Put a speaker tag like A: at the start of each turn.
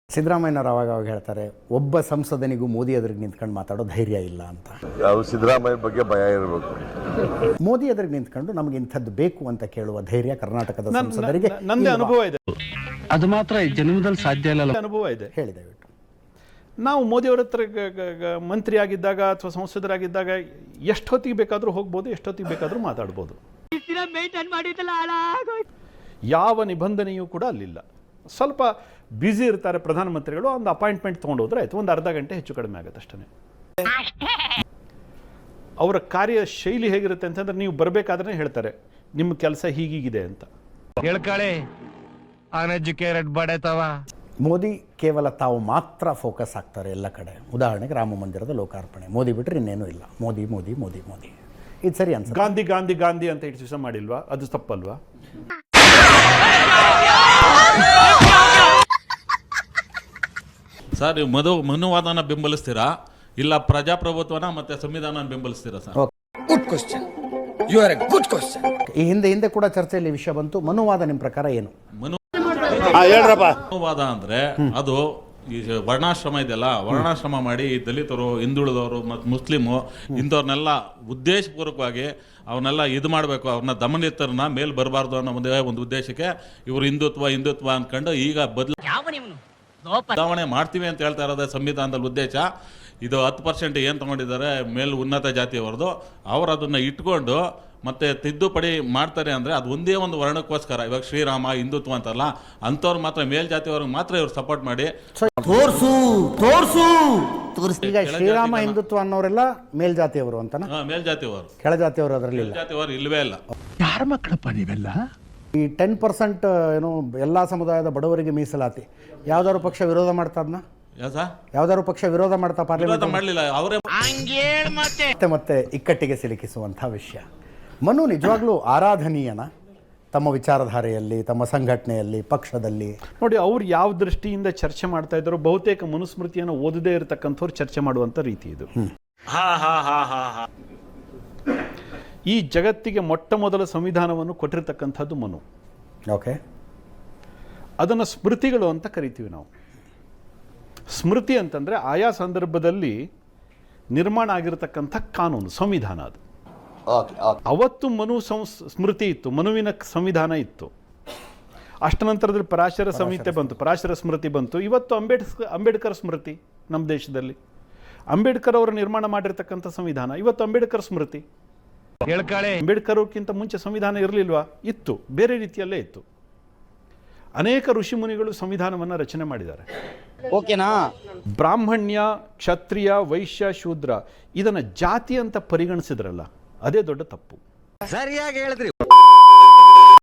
A: ಸಿದ್ದರಾಮಯ್ಯನವರು ಅವಾಗ ಹೇಳ್ತಾರೆ, ಒಬ್ಬ ಸಂಸದನಿಗೂ ಮೋದಿ ಎದುರಿಗೆ ನಿಂತ್ಕೊಂಡು ಮಾತಾಡೋ ಧೈರ್ಯ ಇಲ್ಲ ಅಂತ.
B: ಯಾವ ಸಿದ್ದರಾಮಯ್ಯ ಬಗ್ಗೆ ಭಯ ಇರಬೇಕು.
A: ಮೋದಿ ಎದುರಿಗೆ ನಿಂತ್ಕೊಂಡು ನಮಗೆ ಇಂಥದ್ದು ಬೇಕು ಅಂತ ಕೇಳುವ ಧೈರ್ಯ ಕರ್ನಾಟಕದ ಸಂಸದರಿಗೆ
C: ನಂದೇ ಅನುಭವ ಇದೆ.
D: ಅದು ಮಾತ್ರ ಜನ್ಮದಲ್ಲಿ ಸಾಧ್ಯ ಇಲ್ಲ.
C: ಅನುಭವ ಇದೆ.
A: ಹೇಳಿ ದಯವಿಟ್ಟು.
C: ನಾವು ಮೋದಿಯವರ ಹತ್ರ ಮಂತ್ರಿ ಆಗಿದ್ದಾಗ ಅಥವಾ ಸಂಸದರಾಗಿದ್ದಾಗ ಎಷ್ಟೊತ್ತಿಗೆ ಬೇಕಾದರೂ ಹೋಗ್ಬೋದು, ಎಷ್ಟೊತ್ತಿಗೆ ಬೇಕಾದರೂ ಮಾತಾಡ್ಬೋದು. ಯಾವ ನಿಬಂಧನೆಯೂ ಕೂಡ ಅಲ್ಲಿಲ್ಲ. ಸ್ವಲ್ಪ ಬ್ಯುಸಿ ಇರ್ತಾರೆ ಪ್ರಧಾನಮಂತ್ರಿಗಳು, ಒಂದು ಅಪಾಯಿಂಟ್ಮೆಂಟ್ ತೊಗೊಂಡೋದ್ರೆ ಆಯ್ತು, ಒಂದು ಅರ್ಧ ಗಂಟೆ ಹೆಚ್ಚು ಕಡಿಮೆ ಆಗುತ್ತೆ ಅಷ್ಟೇ. ಅವರ ಕಾರ್ಯ ಶೈಲಿ ಹೇಗಿರುತ್ತೆ ಅಂತಂದ್ರೆ, ನೀವು ಬರಬೇಕಾದ್ರೆ ಹೇಳ್ತಾರೆ ನಿಮ್ಮ ಕೆಲಸ ಹೀಗೀಗಿದೆ ಅಂತ.
D: ಹೇಳ್ಕಳಿ ಅನ್ಎಜುಕೇಟೆಡ್ ಬಡತವ.
A: ಮೋದಿ ಕೇವಲ ತಾವು ಮಾತ್ರ ಫೋಕಸ್ ಆಗ್ತಾರೆ ಎಲ್ಲ ಕಡೆ. ಉದಾಹರಣೆಗೆ ರಾಮ ಮಂದಿರದ ಲೋಕಾರ್ಪಣೆ, ಮೋದಿ ಬಿಟ್ಟರೆ ಇನ್ನೇನೂ ಇಲ್ಲ. ಮೋದಿ ಮೋದಿ ಮೋದಿ ಮೋದಿ. ಇದು ಸರಿ ಅನ್ಸುತ್ತೆ.
C: ಗಾಂಧಿ ಗಾಂಧಿ ಗಾಂಧಿ ಅಂತ ಇಷ್ಟು ದಿವಸ ಮಾಡಿಲ್ವಾ? ಅದು ತಪ್ಪಲ್ವಾ?
E: ಸರ್, ನೀವು ಮನುವಾದನ ಬೆಂಬಲಿಸ್ತೀರಾ ಇಲ್ಲ ಪ್ರಜಾಪ್ರಭುತ್ವನ ಮತ್ತೆ ಸಂವಿಧಾನ ಬೆಂಬಲಿಸ್ತೀರಾ sir?
F: Good question. You are a good question.
A: ಈ ಹಿಂದೆ ಕೂಡ ಚರ್ಚೆಯಲ್ಲಿ ವಿಷಯ ಬಂತು. ಮನುವಾದ ನಿಮ್ಮ ಪ್ರಕಾರ ಏನು?
E: ಮನುವಾದ ಅಂದ್ರೆ ಅದು ಈ ವರ್ಣಾಶ್ರಮ ಇದೆಯಲ್ಲ, ವರ್ಣಾಶ್ರಮ ಮಾಡಿ ಈ ದಲಿತರು, ಹಿಂದುಳಿದವರು ಮತ್ತು ಮುಸ್ಲಿಮು ಇಂಥವ್ರನ್ನೆಲ್ಲ ಉದ್ದೇಶಪೂರ್ವಕವಾಗಿ ಅವನ್ನೆಲ್ಲ ಇದು ಮಾಡಬೇಕು, ಅವ್ರನ್ನ ದಮನಿತರನ್ನ ಮೇಲೆ ಬರಬಾರ್ದು ಅನ್ನೋ ಒಂದು ಉದ್ದೇಶಕ್ಕೆ ಇವರು ಹಿಂದುತ್ವ ಅಂದ್ಕೊಂಡು ಈಗ ಬದಲಾವಣೆ ಮಾಡ್ತೀವಿ ಅಂತ ಹೇಳ್ತಾ ಇರೋದೇ ಸಂವಿಧಾನದಲ್ಲಿ ಉದ್ದೇಶ. ಇದು 10% ಏನು ತಗೊಂಡಿದ್ದಾರೆ ಉನ್ನತ ಜಾತಿಯವರದು, ಅವರು ಅದನ್ನು ಇಟ್ಕೊಂಡು ಮತ್ತೆ ತಿದ್ದುಪಡಿ ಮಾಡ್ತಾರೆ ಅಂದರೆ ಅದು ಒಂದೇ ಒಂದು ವರ್ಣಕ್ಕೋಸ್ಕರ. ಇವಾಗ ಶ್ರೀರಾಮ ಹಿಂದುತ್ವ ಅಂತಲ್ಲ, ಅಂಥವ್ರು ಮಾತ್ರ ಮೇಲ್ಜಾತಿಯವ್ರಿಗೆ ಮಾತ್ರ ಇವ್ರು ಸಪೋರ್ಟ್ ಮಾಡಿ
A: ಈಗ ಶ್ರೀರಾಮ ಹಿಂದುತ್ವ ಅನ್ನೋರೆಲ್ಲ ಮೇಲ್ಜಾತಿಯವರು ಅಂತನಾ?
E: ಮೇಲ್ಜಾತಿಯವರು,
A: ಕೆಳಜಾತಿಯವರು ಅದರಲ್ಲಿ
E: ಮೇಲ್ಜಾತಿಯವರು ಇಲ್ವೇ ಇಲ್ಲ.
D: ಯಾರ ಮಕ್ಕಳಪ್ಪ ನೀವೆಲ್ಲ?
A: ಈ 10% ಏನು ಎಲ್ಲ ಸಮುದಾಯದ ಬಡವರಿಗೆ ಮೀಸಲಾತಿ ಯಾವ್ದಾದ್ರು ಪಕ್ಷ ವಿರೋಧ ಮಾಡ್ತಾ ಅದನ್ನ? ಯಾವ್ದಾದ್ರು ಪಕ್ಷ ವಿರೋಧ ಮಾಡ್ತಾ ಪಾರ್ಲಿಮೆಂಟ್
E: ಮಾಡಲಿಲ್ಲ ಅವರೇ
A: ಮತ್ತೆ ಇಕ್ಕಟ್ಟಿಗೆ ಸಿಲುಕಿಸುವಂತಹ ವಿಷಯ. ಮನು ನಿಜವಾಗ್ಲೂ ಆರಾಧನೀಯನ ತಮ್ಮ ವಿಚಾರಧಾರೆಯಲ್ಲಿ, ತಮ್ಮ ಸಂಘಟನೆಯಲ್ಲಿ, ಪಕ್ಷದಲ್ಲಿ?
C: ನೋಡಿ, ಅವ್ರು ಯಾವ ದೃಷ್ಟಿಯಿಂದ ಚರ್ಚೆ ಮಾಡ್ತಾ ಇದ್ದಾರೋ ಬಹುತೇಕ ಮನುಸ್ಮೃತಿಯನ್ನು ಓದದೇ ಇರತಕ್ಕಂಥವ್ರು ಚರ್ಚೆ ಮಾಡುವಂಥ ರೀತಿ ಇದು. ಈ ಜಗತ್ತಿಗೆ ಮೊಟ್ಟ ಮೊದಲ ಸಂವಿಧಾನವನ್ನು ಕೊಟ್ಟಿರ್ತಕ್ಕಂಥದ್ದು ಮನು.
A: ಓಕೆ.
C: ಅದನ್ನು ಸ್ಮೃತಿಗಳು ಅಂತ ಕರಿತೀವಿ ನಾವು. ಸ್ಮೃತಿ ಅಂತಂದರೆ ಆಯಾ ಸಂದರ್ಭದಲ್ಲಿ ನಿರ್ಮಾಣ ಆಗಿರತಕ್ಕಂಥ ಕಾನೂನು, ಸಂವಿಧಾನ. ಅದು ಅವತ್ತು ಮನು ಸ್ಮೃತಿ ಇತ್ತು, ಮನುವಿನ ಸಂವಿಧಾನ ಇತ್ತು. ಅಷ್ಟ ನಂತರದಲ್ಲಿ ಪರಾಶರ ಸಂಹಿತೆ ಬಂತು, ಪರಾಶರ ಸ್ಮೃತಿ ಬಂತು. ಇವತ್ತು ಅಂಬೇಡ್ಕರ್ ಸ್ಮೃತಿ ನಮ್ಮ ದೇಶದಲ್ಲಿ. ಅಂಬೇಡ್ಕರ್ ಅವರು ನಿರ್ಮಾಣ ಮಾಡಿರ್ತಕ್ಕಂಥ ಸಂವಿಧಾನ ಇವತ್ತು ಅಂಬೇಡ್ಕರ್ ಸ್ಮೃತಿ. ಅಂಬೇಡ್ಕರ್ ಅವ್ರಿಗಿಂತ ಮುಂಚೆ ಸಂವಿಧಾನ ಇರಲಿಲ್ವಾ? ಇತ್ತು, ಬೇರೆ ರೀತಿಯಲ್ಲೇ ಇತ್ತು. ಅನೇಕ ಋಷಿ ಮುನಿಗಳು ಸಂವಿಧಾನವನ್ನು ರಚನೆ ಮಾಡಿದ್ದಾರೆ.
F: ಓಕೆನಾ?
C: ಬ್ರಾಹ್ಮಣ್ಯ, ಕ್ಷತ್ರಿಯ, ವೈಶ್ಯ, ಶೂದ್ರ ಇದನ್ನು ಜಾತಿ ಅಂತ ಪರಿಗಣಿಸಿದ್ರಲ್ಲ, ಅದೇ ದೊಡ್ಡ ತಪ್ಪು.
F: ಸರಿಯಾಗಿ ಹೇಳಿದ್ರಿ.